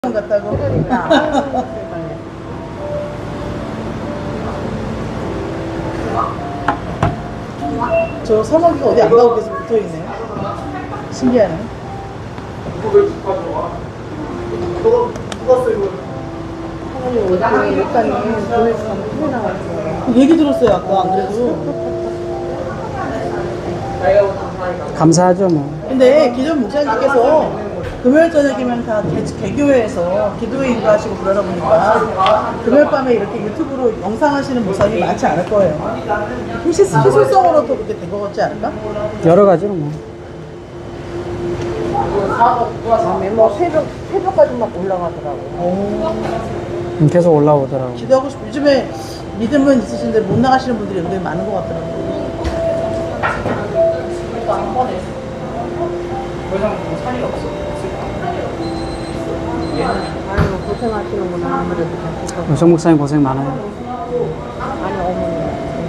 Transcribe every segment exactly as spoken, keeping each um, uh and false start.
같다고. 그러니까. 저 서먹이가 어디 안 가고 계속 붙어있네. 신기하네. 사장님 오전에 목사님 보내서 큰일 나왔어요. 얘기 들었어요 아까 안 그래도. 감사하죠 뭐. 근데 기존 목사님께서 금요일 저녁이면 다 개, 개교회에서 기도회 인도하시고 그러다 보니까 금요일 밤에 이렇게 유튜브로 영상 하시는 목사님이 많지 않을 거예요. 혹시 희소성으로 또 그렇게 된 거 같지 않을까? 여러 가지로 뭐. 밤에 뭐 새벽, 새벽까지 막 올라가더라고. 오, 계속 올라오더라고. 기도하고 싶어. 요즘에 믿음은 있으신데 못 나가시는 분들이 은근히 많은 것 같더라고요. 아유, 고생하시는구나. 아무래도 같이. 정 목사님 고생 많아요. 아니, 어머니.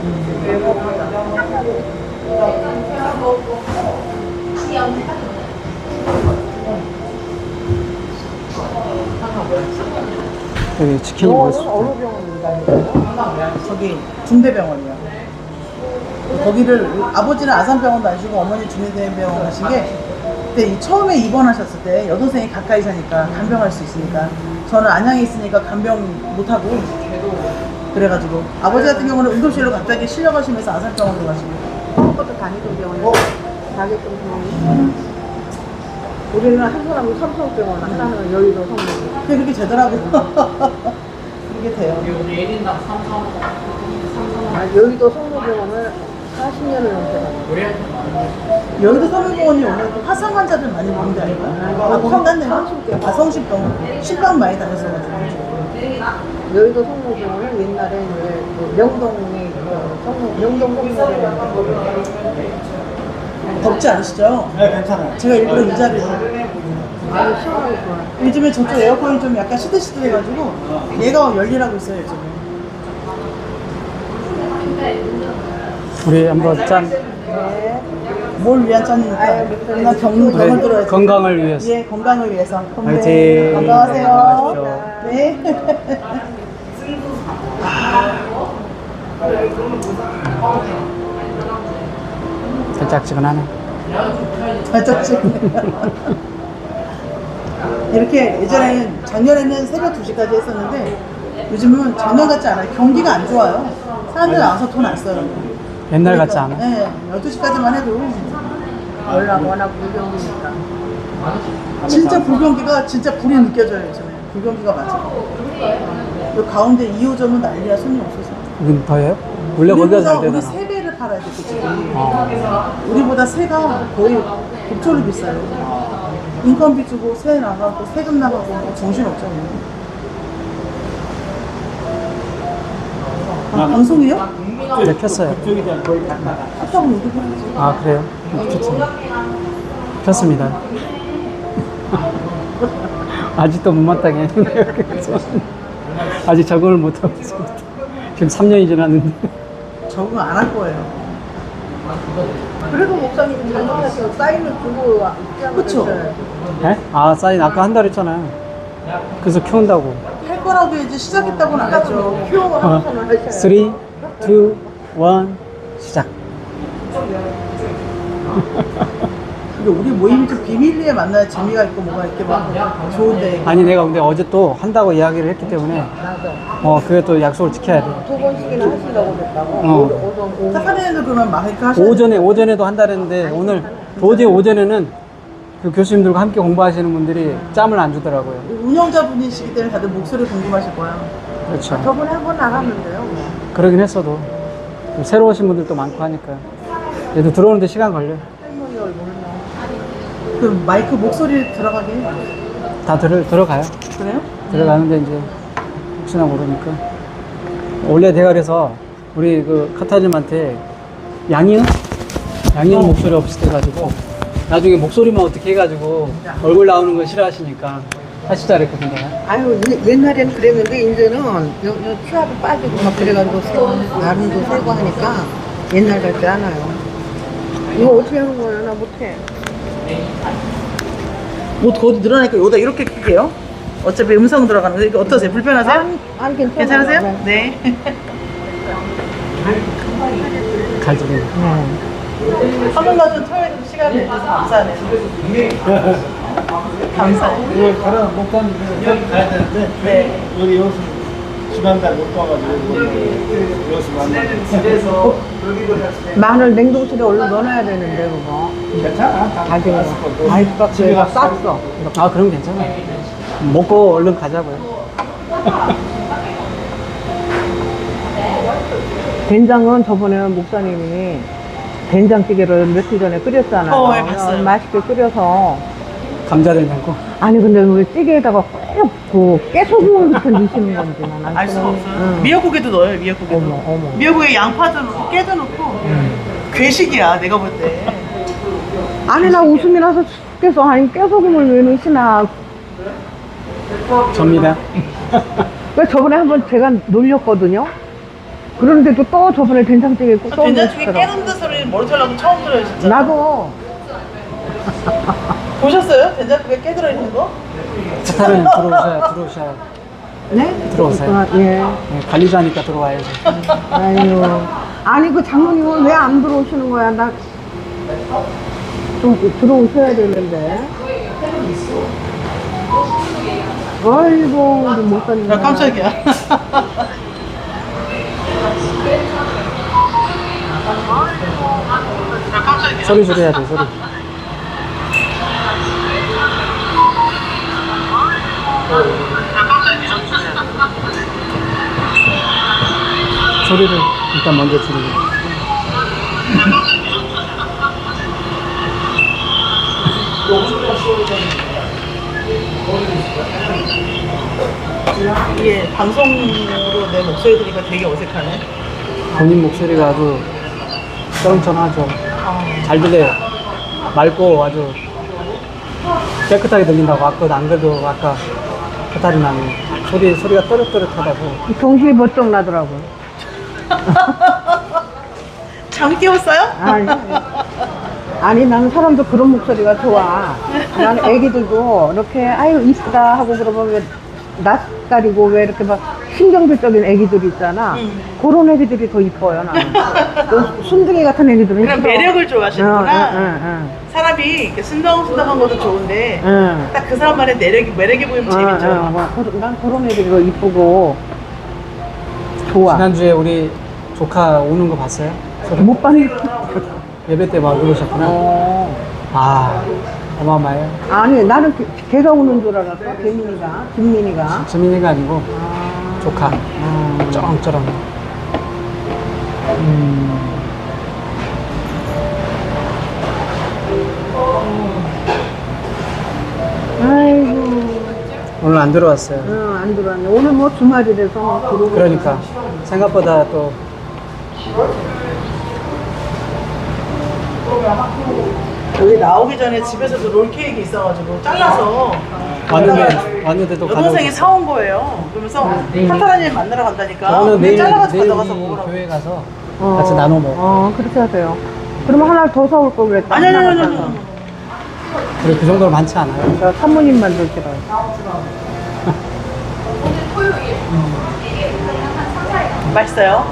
여기 치킨이 너는 맛있어. 어느 병원 다니세요? 저기 중대병원이요. 거기를 아버지는 아산병원 다니시고 어머니 중대병원 하신 게 그때 이 처음에 입원하셨을 때 여동생이 가까이 사니까 간병할 수 있으니까 저는 안양에 있으니까 간병 못하고 그래가지고 아버지 같은 경우는 응급실로 갑자기 실려가시면서 아산병원으로 가시고 처음부터 다니던 병원에 자격증 병원이 우리는 한 사람은 삼성병원, 하나는 여의도 성모병원. 그게 그렇게 되더라고요. 그게 돼요. 아, 여의도 성모병원을 사십 년을 넘게 여기도 서울병원이 오늘 또 화상 환자들 많이 보는 데 아닌가? 아, 성단네요? 아, 성심병원. 신방 많이 다녔어가지고. 여의도 성모병원은 옛날에 이제 그 명동에 그 성모, 명동 성모병원. 덥지 않으시죠? 네, 괜찮아요. 제가 일부러 이 자리를. 아주 시원하고 좋아요. 요즘에 저쪽 에어컨이 좀 약간 시들시들해가지고 얘가 열일하고 있어요, 요즘에. 우리 한번 짠. 네. 뭘 위한 짠입니까? 나 경, 경을 들어야지. 건강을 위해서. 예, 건강을 위해서. 화이팅. 네, 건강하세요. 건강하십시오. 네. 달짝지근하네. 살짝지. 이렇게 예전에는 작년에는 새벽 두 시까지 했었는데 요즘은 작년 같지 않아요. 경기가 안 좋아요. 사람들 나와서 돈 안 써요. 옛날 같지 않아. 네, 열두 시까지만 해도 워낙 워낙 불경이니까. 진짜 불경기가 진짜 불이 느껴져요. 요즘에 불경기가 맞아요. 요 가운데 이 호점은 난리야. 손이 없어서. 여긴 더해요? 원래 거기가 우리보다 잘 우리 되잖아. 세 배를 팔아야 돼, 그치? 어. 우리보다 세가 거의 곱절로 비싸요. 인건비 주고 세 나가고 세금 나가고 뭐 정신 없잖아요. 아, 방송이요? 네, 켰어요. 그쪽이 다 거의 갔다가. 켰다고 얘기해야지. 아, 그래요? 켰습니다. 켰습니다. 아직도 못마땅해. 아직 적응을 못하고 있습니다. 지금 삼 년이 지났는데. 적응 안 할 거예요. 그래도 목사님 잘못하셔 사인을 주고 입장을 그쵸? 했어요. 네? 아, 사인 아까 한 달 했잖아요. 그래서 키운다고. 할 거라고 이제 시작했다고는 안 했죠. 큐어 어, 하선을 하셔요. 삼, 이, 일, 시작. 근데 우리 모임이 좀 비밀리에 만나야 재미가 있고 뭐가 이렇게 막 좋은데. 아니, 내가 근데 어제 또 한다고 이야기를 했기 때문에, 맞아. 어, 그게 또 약속을 지켜야 돼. 두 번씩이나 하신다고 그랬다고. 어. 오전 오후. 사카리는 그러면 마이크 하셔야 오전에, 오전에도 한다는데, 오늘 도저히 오전에는 그 교수님들과 함께 공부하시는 분들이 짬을 안 주더라고요. 운영자분이시기 때문에 다들 목소리 궁금하실 거야. 그렇죠. 저번에 한 번 나갔는데요. 그러긴 했어도, 좀 새로우신 분들도 많고 하니까. 얘도 들어오는데 시간 걸려. 할머니 얼굴은 그 마이크 목소리 들어가게. 다 들어, 들어가요. 그래요? 들어가는데 이제, 혹시나 모르니까. 원래 내가 그래서, 우리 그 카타님한테 양이은? 양이은 목소리 없이 돼가지고, 나중에 목소리만 어떻게 해가지고, 얼굴 나오는 거 싫어하시니까, 하시자 그랬거든요. 아유 예- 옛날에는 그랬는데 이제는 요, 요 치아도 빠지고 막 그래가지고 세- 나름도 세고 하니까 옛날 같지 않아요. 이거 어떻게 하는 거예요? 나 못해. 뭐 더 늘어나니까 여기다 이렇게 끼게요? 어차피 음성 들어가는 거 이거 어떠세요? 불편하세요? 아니, 아니 괜찮아요. 괜찮으세요? 네. 네. 갈증이. 네. 화면과 좀 토요일 시간을 내주셔서 감사하네요. 감사해요. 이거 가라 목단 여기 가야 되는데 네. 여기 여기서 지난달 못 봐가지고 여기서 만나. 마늘 냉동실에 얼른 넣어놔야 되는데 그거. 괜찮아. 가지고 아이스박스에다 쌌어. 아, 그럼 괜찮아. 먹고 얼른 가자고요. 된장은 저번에 목사님이 된장찌개를 며칠 전에 끓였잖아요. 어, 예, 봤어요. 맛있게 끓여서. 감자 된장국. 아니 근데 왜 찌개에다가 꼭그 깨소금을 붙여 넣으시는 건지 난 알 수가 없어요. 응. 미역국에도 넣어요, 미역국에도. 어머, 어머. 미역국에 양파도 넣고 깨도 넣고. 괴식이야, 내가 볼 때. 아니 나 웃음이 나서 죽겠어. 아니 깨소금을 왜 넣으시나. 접니다. 그 저번에 한번 제가 놀렸거든요. 그런데도 또 저번에 된장찌개 꼭 저 된장찌개 넣으시더라고. 깨는데 소리 머리털나고 처음 들어요, 진짜. 나도 보셨어요? 된장찌개 깨 들어있는 거? 카타르는 들어오셔야, 들어오셔야. 네? 들어오세요. 아, 예. 네, 관리자니까 들어와야죠. 아유. 아니 그 장모님은 왜 안 들어오시는 거야? 나 좀 들어오셔야 되는데. 아이고 우리 못 살린다. 야, 깜짝이야. 소리 줄여야 돼, 소리. 소리를 일단 먼저 줄이고. 이게 방송으로 내 목소리 들으니까 되게 어색하네. 본인 목소리가 아주 쩌렁쩌렁하죠. 아, 잘 들려요. 맑고 아주 깨끗하게 들린다고. 아까 안 그래도 아까 카타리나는 소리, 소리가 또렷또렷하다고. 정신이 번쩍 나더라고요. 잠 깨웠어요? 아니, 아니 나는 사람도 그런 목소리가 좋아. 난 애기들도 이렇게 아유 이쁘다 하고 그러면 왜 낯가리고 왜 이렇게 막 신경질적인 애기들 있잖아. 음. 그런 애기들이 더 이뻐요 나는. 또 순둥이 같은 애기들은 그런 싫어. 매력을 좋아하시는구나. 응, 응, 응, 사람이 이렇게 순덩순덩한 것도 좋은데 응. 딱 그 사람만의 매력이, 매력이 보이면 재밌죠. 응, 응, 뭐, 그- 난 그런 애들이 더 이쁘고 좋아. 지난주에 우리 조카 오는 거 봤어요? 소리? 못 봤는데. 예배 때 막 그러셨구나. 어. 아, 어마어마해요. 아니 나는 걔- 걔가 오는 줄 알았어. 재민이가, 김민이가. 지민이가 아니고 아. 조카. 아. 쩌렁쩌렁. 음. 아이고. 오늘 안 들어왔어요. 응, 안 들어왔네. 오늘 뭐 주말이라서 뭐 들어오고. 그러니까 생각보다 또 여기 나오기 전에 집에서도 롤케이크 있어가지고 잘라서 왔는데 왔는데도 여동생이 가져오셨어요. 사온 거예요. 그러면서 카타라님 만나러 간다니까 저는 그냥 내일 잘라가지고 내일 가져가서 우리 먹으라고. 교회 가서 어, 같이 나눠 먹어. 어, 그렇게 하세요. 그러면 하나 더 사올 걸 그랬다. 아니 아니 아니 하나 아니. 갖다가. 아니. 그래 그 정도로 많지 않아요. 저 사모님만 드시라. 맛있어요?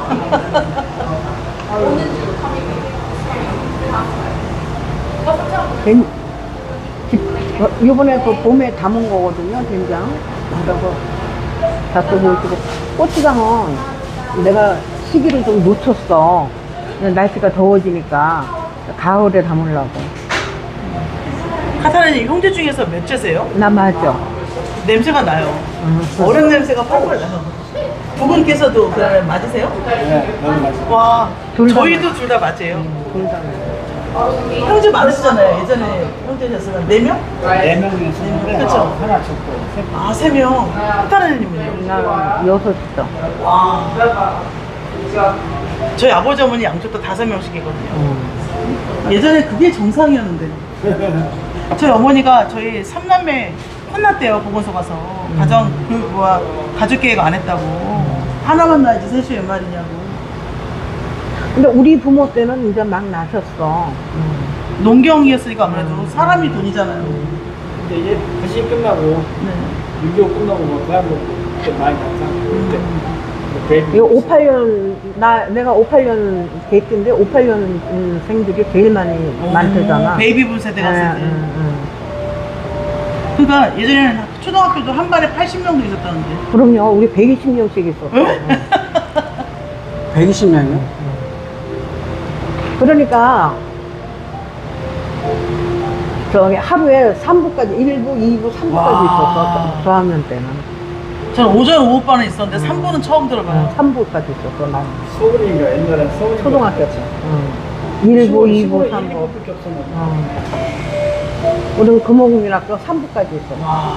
된, 집, 어, 이번에 그 봄에 담은 거거든요, 된장. 그래서 자꾸 보시고. 고추장은 내가 시기를 좀 놓쳤어. 날씨가 더워지니까 가을에 담으려고. 카타라님 형제 중에서 몇째세요? 나 맞아. 냄새가 나요. 응. 어른 냄새가 펄펄 나요. 두 분께서도 그러면 맞으세요? 네, 너무 맛있어. 와, 둘다 저희도 둘 다 맞아요. 둘 다. 형제 많으시잖아요. 예전에 형제셨으면 네 명? 네 명이서 했는데 그쵸. 하나 죽고 세 명. 아, 세 명. 카타라님은요? 나는 여섯이죠. 와. 저희 아버지 어머니 양쪽 다 다섯 명씩이거든요. 예전에 그게 정상이었는데. 저희 어머니가 저희 삼남매 혼났대요, 보건소 가서. 가정, 그, 뭐야, 가족 계획 안 했다고. 하나만 낳지 셋이 웬 말이냐고. 근데 우리 부모 때는 이제 막 나셨어. 농경이었으니까 아무래도 사람이 돈이잖아요. 근데 이제 부시 끝나고 네. 육개월 끝나고 뭐 대학 먹고 그때 많이 갔잖아. 그때. 베이비 이거 오십팔 년, 나, 내가 오십팔 년 개띠인데 오십팔 년생들이 제일 많이 많대잖아. 베이비붐 세대 갔을 예, 때. 응, 응. 그러니까 예전에는 초등학교도 한 반에 팔십 명도 있었다는데. 그럼요, 우리 백이십 명씩 있었어. 백이십 명이요? 그러니까, 저기 하루에 삼 부까지, 일 부, 이 부, 삼 부까지 와. 있었어. 저학년 때는. 저는 오전 오후반에 있었는데 삼 부는 처음 들어봐요. 삼 부까지 있었어, 난. 서울인가 옛날에 서울 초등학교 때. 응. 일 부, 이 부, 삼 부. 밖에 없었나 봐. 어. 우리는 금호국민학교 삼 부까지 있었어. 와.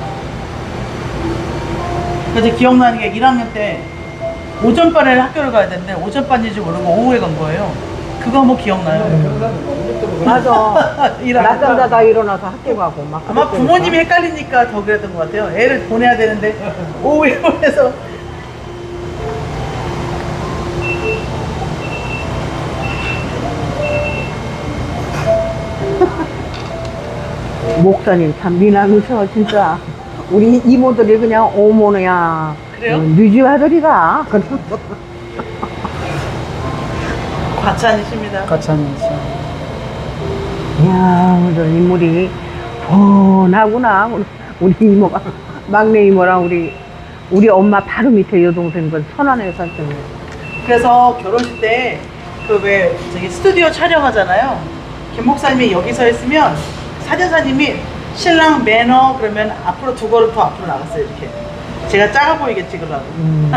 그래서 기억나는 게 일 학년 때 오전반에 학교를 가야 되는데 오전반인지 모르고 오후에 간 거예요. 그거 뭐 기억나요? 맞아. 일 학년 낮잠 자다 일어나서 학교 가고 막. 아마 그랬다니까. 부모님이 헷갈리니까 더 그랬던 것 같아요. 애를 보내야 되는데 오후에 보내서 목사님 참 미남이셔 진짜. 우리 이모들이 그냥 어머니야. 그래요? 뉴지 아들이가. 그래서 과찬이십니다. 가찬이죠. 이야, 오늘 인물이 뻔하구나. 우리- 우리 이모가 막내 이모랑 우리 우리 엄마 바로 밑에 여동생들 천안에 살았네. 그래서 결혼식 때 그 왜 저기 스튜디오 촬영하잖아요. 김 목사님이 여기 서 있으면 사진사님이 신랑 매너 그러면 앞으로 두 걸음 더 앞으로 나갔어요. 이렇게 제가 작아 보이게 찍으려고. 음.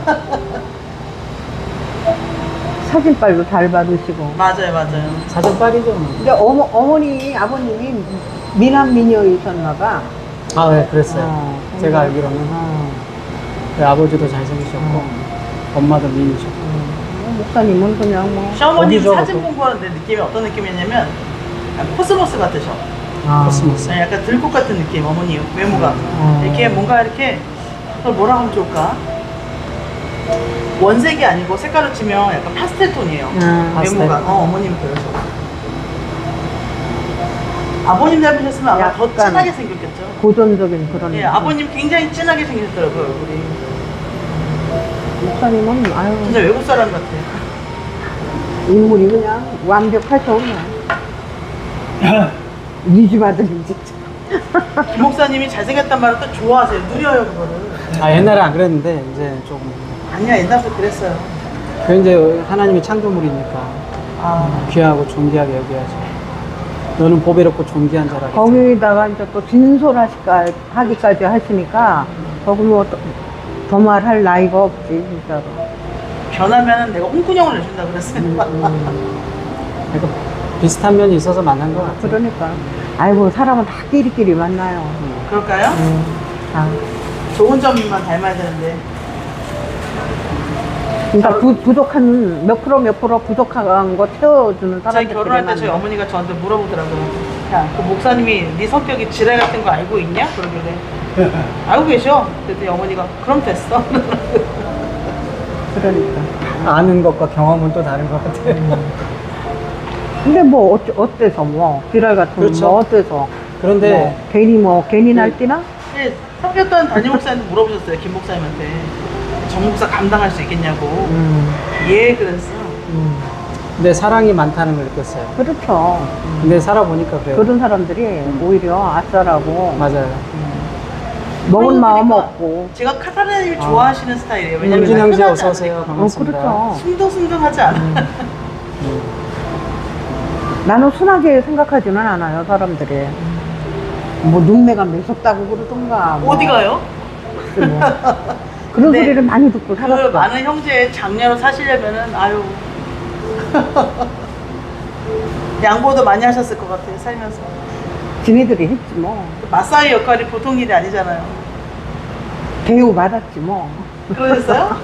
사진빨도 잘 받으시고. 맞아요, 맞아요. 사전 빨이죠. 뭐. 근데 어머, 어머니, 아버님이 미남 미녀이셨나봐. 아, 네, 그랬어요. 어, 제가 근데- 알기로는. 어. 네, 아버지도 잘생기셨고, 엄마도 미인이셨고. 어, 목사님은 그냥 뭐. 시어머님 거기서 사진 또- 공부하는데 느낌이 어떤 느낌이었냐면 약간 코스모스 같으셔. 아. 코스모스. 네, 약간 들꽃 같은 느낌, 어머니 외모가. 어. 이렇게 뭔가 이렇게 그걸 뭐라 하면 좋을까? 원색이 아니고 색깔로 치면 약간 파스텔 톤이에요. 음. 파스텔. 외모가. 어, 어머님 그러셔. 아버님 닮으셨으면 아마 더 약간 진하게 생겼겠죠. 고전적인 그런. 예, 아버님 굉장히 진하게 생기셨더라고요, 얼굴이. 목사님은, 아유, 진짜 외국 사람 같아요. 인물이 그냥 완벽할 수 없네. 니집 아들이 진짜. 김 목사님이 잘생겼단 말을 또 좋아하세요. 누려요, 그거를. 아, 옛날에 안 그랬는데, 이제 조금. 아니야, 옛날부터 그랬어요. 그 이제 하나님의 창조물이니까 아, 귀하고 존귀하게 여겨야죠. 너는 보배롭고 존귀한 자라. 거기다가 이제 또 진솔하시까, 하기까지 하시니까, 거기 뭐, 더 말할 나이가 없지, 진짜로. 변하면 내가 홍군형을 내준다 그랬어요. 그러니까 비슷한 면이 있어서 만난 것 같아요. 그러니까. 아이고, 사람은 다 끼리끼리 만나요. 그럴까요? 음, 다. 좋은 점만 닮아야 되는데. 그러니까 부, 부족한, 몇 프로 몇 프로 부족한 거 채워주는 저희 사람들. 결혼할 때 저희 어머니가 저한테 물어보더라고요. 야, 그 목사님이 네 성격이 지랄 같은 거 알고 있냐? 그러길래. 알고 계셔? 그랬더니 어머니가 그럼 됐어. 그러니까. 아는 것과 경험은 또 다른 것 같아요. 근데 뭐, 어째, 어때서 뭐, 지랄 같은 그렇죠. 뭐, 어때서. 그런데 뭐, 괜히 뭐, 괜히 날뛰나? 네, 성격던 담임 목사님도 물어보셨어요. 김 목사님한테. 정 목사 감당할 수 있겠냐고. 음, 예, 그랬어. 음. 근데 사랑이 많다는 걸 느꼈어요. 그렇죠. 근데 살아보니까 그래요. 그런 사람들이 오히려 아싸라고 맞아요. 먹은 그러고 마음 보니까 없고. 제가 카타르님이 좋아하시는 스타일이에요. 왜냐면 윤진 형제 흔하지 어서 오세요. 않으니까. 어, 반갑습니다. 그렇죠. 순둥순둥하지 않아. 나는 순하게 생각하지는 않아요, 사람들이. 뭐, 눈매가 매섭다고 그러던가. 뭐. 어디 가요? 글쎄 뭐. 그런 근데 소리를 많이 듣고 그 살았어. 많은 형제의 장녀로 사시려면은 아유 양보도 많이 하셨을 것 같아요 살면서. 지네들이 했지 뭐. 그 마사이 역할이 보통 일이 아니잖아요. 대우 받았지 뭐. 그러셨어요?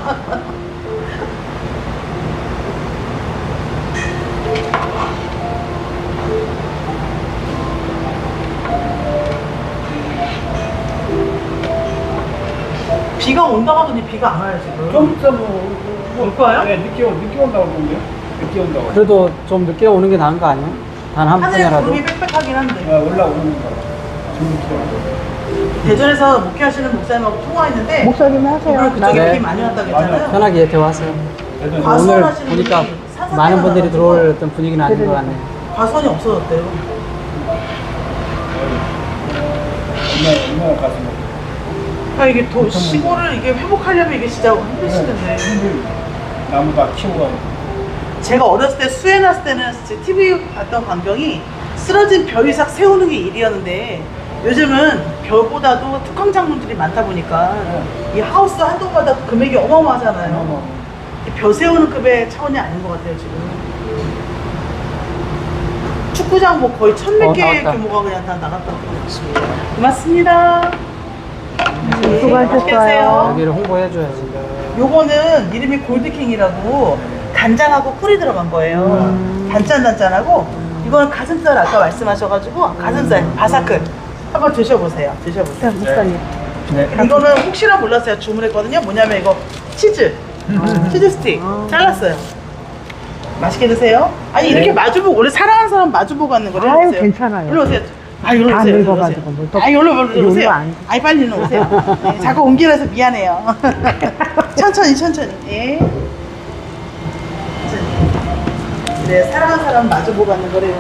비가 온다고 하더니 비가 안 와요 지금. 좀 있어 뭐. 올 거예요? 네, 늦게 온 늦게 온다고 그러는데요. 늦게 온다고. 그래도 좀 늦게 오는 게 나은 거 아니에요? 단 한 하늘에 분이라도. 구름이 빽빽하긴 한데. 아, 올라오는 거. 지금 대전에서 목회하시는 목사님하고 통화했는데 목사님 하세요. 이번에 그쪽에 네. 비 많이 왔다고 했잖아요. 편하게 대화하세요. 대전 과수- 오늘 과수원하시는 보니까 분이 산산해가 많은 분들이 나가지고. 들어올 어떤 분위기는 아닌 것 같네요. 과수원이 없어졌대요. 얼마 얼마 가서 뭐 아 이게 더 시골을 이게 회복하려면 이게 진짜 힘드시던데. 나무 다 키우고 제가 어렸을 때 수해 났을 때는 티비 봤던 광경이 쓰러진 벼 이삭 세우는 게 일이었는데 요즘은 벼보다도 특강 작물들이 많다 보니까 이 하우스 한 동마다 금액이 어마어마하잖아요. 이 벼 세우는 급의 차원이 아닌 것 같아요 지금. 축구장 뭐 거의 천몇 어, 개 나왔다. 규모가 그냥 다 나갔다고. 고맙습니다. 네, 수고하셨어요. 맛있게 드세요. 여기를 홍보해줘야지. 요거는 이름이 골드킹이라고 간장하고 꿀이 들어간 거예요. 음. 단짠단짠하고 이거는 가슴살 아까 말씀하셔가지고 가슴살 바사클 한번 드셔보세요. 드셔보세요. 자, 목사님. 네. 이거는 혹시나 몰랐어요. 주문했거든요. 뭐냐면 이거 치즈 치즈 스틱 아. 잘랐어요. 맛있게 드세요. 아니 이렇게 네. 마주보고 원래 사랑하는 사람 마주보고 하는 거를 아유, 해주세요. 괜찮아요. 일로 오세요. 아 일로 다 오세요. 일로 늙어가지고 오세요. 뭘 또- 아 일로 일로 일로 오세요. 안- 아이 빨리 일로 오세요. 네, 자꾸 옮기라서 미안해요. 천천히 천천히. 예. 천천히. 네 사랑하는 사람 마주보고 하는 거래요.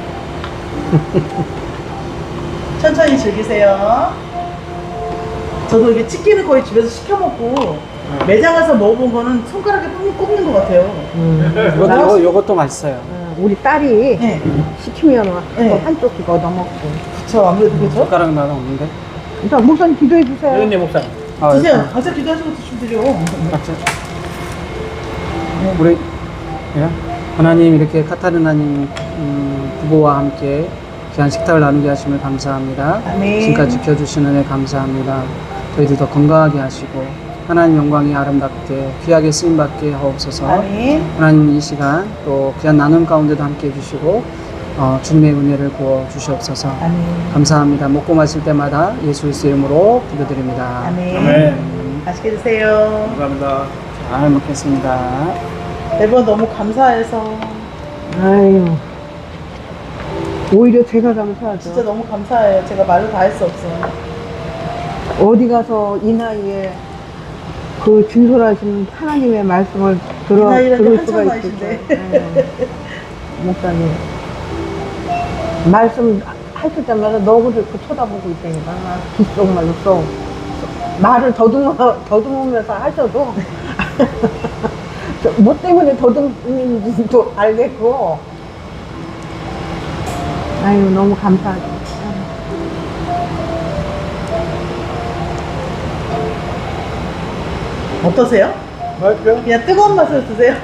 천천히 즐기세요. 저도 이게 치킨을 거의 집에서 시켜 먹고 매장 가서 먹어본 거는 손가락에 꼽는, 꼽는 것 같아요. 음. 이것도, 요거, 요것도 맛있어요. 어, 우리 딸이 네. 시키면 네. 한쪽 씩 얻어먹고. 그쵸 아무래도 그죠? 젓가락 나는 없는데. 자, 목사님 기도해 주세요. 여인네 목사님 아, 드세요. 일단 가서 기도하시고 드시면 돼요. 각자. 우리 예? 하나님 이렇게 카타르나님 음, 부부와 함께 귀한 식탁을 나누게 하심을 감사합니다. 아멘. 지금까지 지켜주신 은혜 감사합니다. 저희들 더 건강하게 하시고 하나님 영광이 아름답게 귀하게 쓰임받게 하옵소서. 아멘. 하나님 이 시간 또 귀한 나눔 가운데도 함께 해주시고 어, 주님의 은혜를 부어 주시옵소서. 아멘. 감사합니다. 먹고 마실 때마다 예수 그리스도 이름으로 기도드립니다. 아멘. 아멘. 맛있게 드세요. 감사합니다. 잘 먹겠습니다. 매번 너무 감사해서 아유. 오히려 제가 감사하죠. 진짜 너무 감사해요. 제가 말로 다 할 수 없어요. 어디 가서 이 나이에 그 진솔하신 하나님의 말씀을 들어, 이 나이라도 들을 한참 수가 나이신데. 있을까. 네. 목사님. 말씀 하실 때마다 너무 좋고 쳐다보고 있다니까. 귓속말로 써. 말을 더듬어, 더듬으면서 하셔도 뭐 때문에 더듬는지도 알겠고. 아유, 너무 감사하죠. 어떠세요? 맛있죠? 그냥 뜨거운 맛으로 드세요.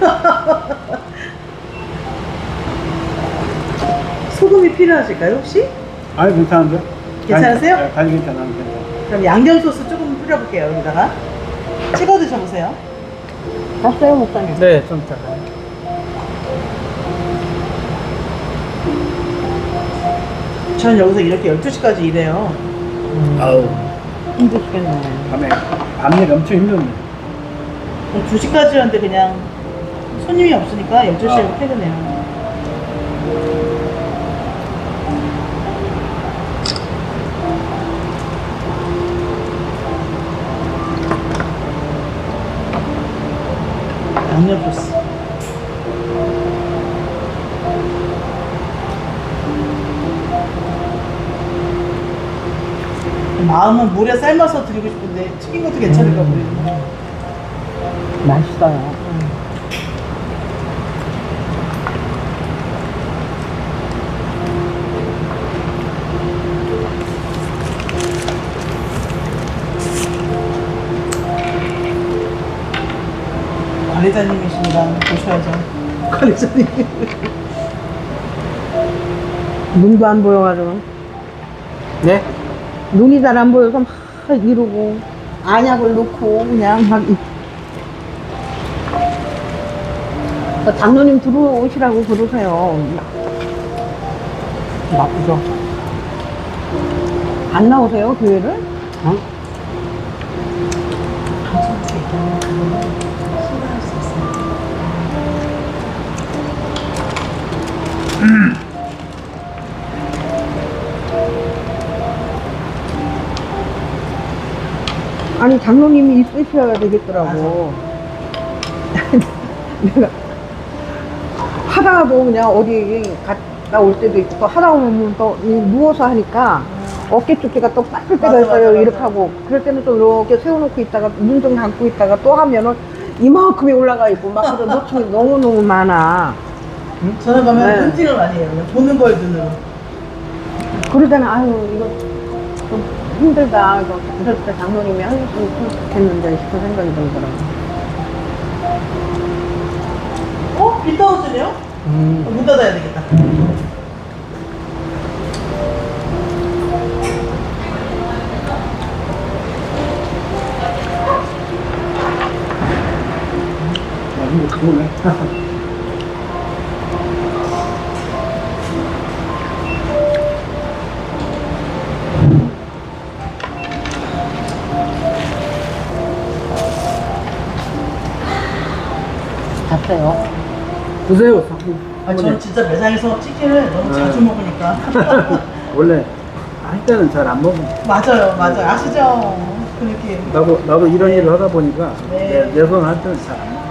소금이 필요하실까요 혹시? 아니 괜찮은데? 괜찮으세요? 간이, 네, 간이 괜찮아요. 괜찮아. 그럼 양념 소스 조금 뿌려볼게요 여기다가. 찍어 드셔보세요. 봤어요, 목사님? 네, 좀 이따가. 전 여기서 이렇게 열두 시까지 일해요. 아우 힘드시겠네. 밤에 밤일 엄청 힘든데. 두 시까지 하는데 그냥 손님이 없으니까 열두 시에 아. 퇴근해요. 양념 소스. 마음은 물에 삶아서 드리고 싶은데 튀긴 것도 괜찮을까 모르겠네. 맛있어요. 관리자님이시니까 보셔야죠. 관리자님. 눈도 안 보여가지고. 네? 눈이 잘 안 보여서 막 이러고, 안약을 넣고, 그냥 막. 이- 그 장로님 들어오시라고 그러세요. 나쁘죠? 안 나오세요, 교회를? 어? 방송국에 있다면 그거는 신뢰할 수 있어요. 아니 장로님이 있으셔야 되겠더라고. 내가 하다가도 그냥 어디 갔다 올 때도 있고 또 하다 보면 또 누워서 하니까 어깨 쪽지가 또 빠질 때가 맞아, 있어요. 맞아, 이렇게 맞아. 하고 그럴 때는 또 이렇게 세워놓고 있다가 눈 좀 감고 있다가 또 하면은 이만큼이 올라가 있고 막 그런 놓침이 너무너무 많아. 저는 가면 네. 눈팅을 많이 해요. 그냥 보는 걸 눈으로. 그러다는 아유 이거 좀 힘들다 이거 그럴 때 장로님이 해주셨으면 좋겠는데 싶은 생각이 들더라고. 어? 비 떨어지네요? 음. 문 닫아야 되겠다. 아, 이거 그거네. 봤어요. 드세요. 아, 저는 진짜 매장에서 치킨을 너무 네. 자주 먹으니까. 원래 할 때는 잘 안 먹어. 맞아요, 맞아요. 아시죠? 그 느낌. 나도 나도 이런 일을 하다 보니까 네. 내손 할 때는 잘 안 먹어.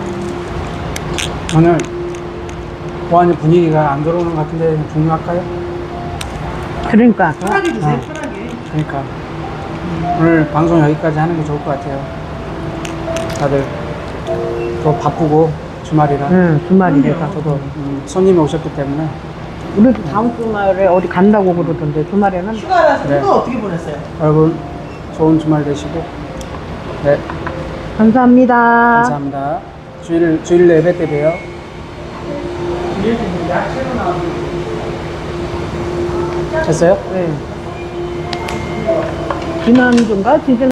오늘 보안이 분위기가 안 들어오는 것 같은데 종료할까요? 그러니까 편하게 드세요, 아. 편하게. 그러니까 오늘 방송 여기까지 하는 게 좋을 것 같아요. 다들 또 바쁘고 주말이라. 응 주말이래서 저도 음, 손님이 오셨기 때문에 우리도 다음 주말에 어디 간다고 그러던데 주말에는 휴가라서 네. 휴가 어떻게 보냈어요? 여러분 좋은 주말 되시고 네 감사합니다. 감사합니다. 주일 주일 예배 때 봬요. 됐어요? 네. 지난주인가? 지난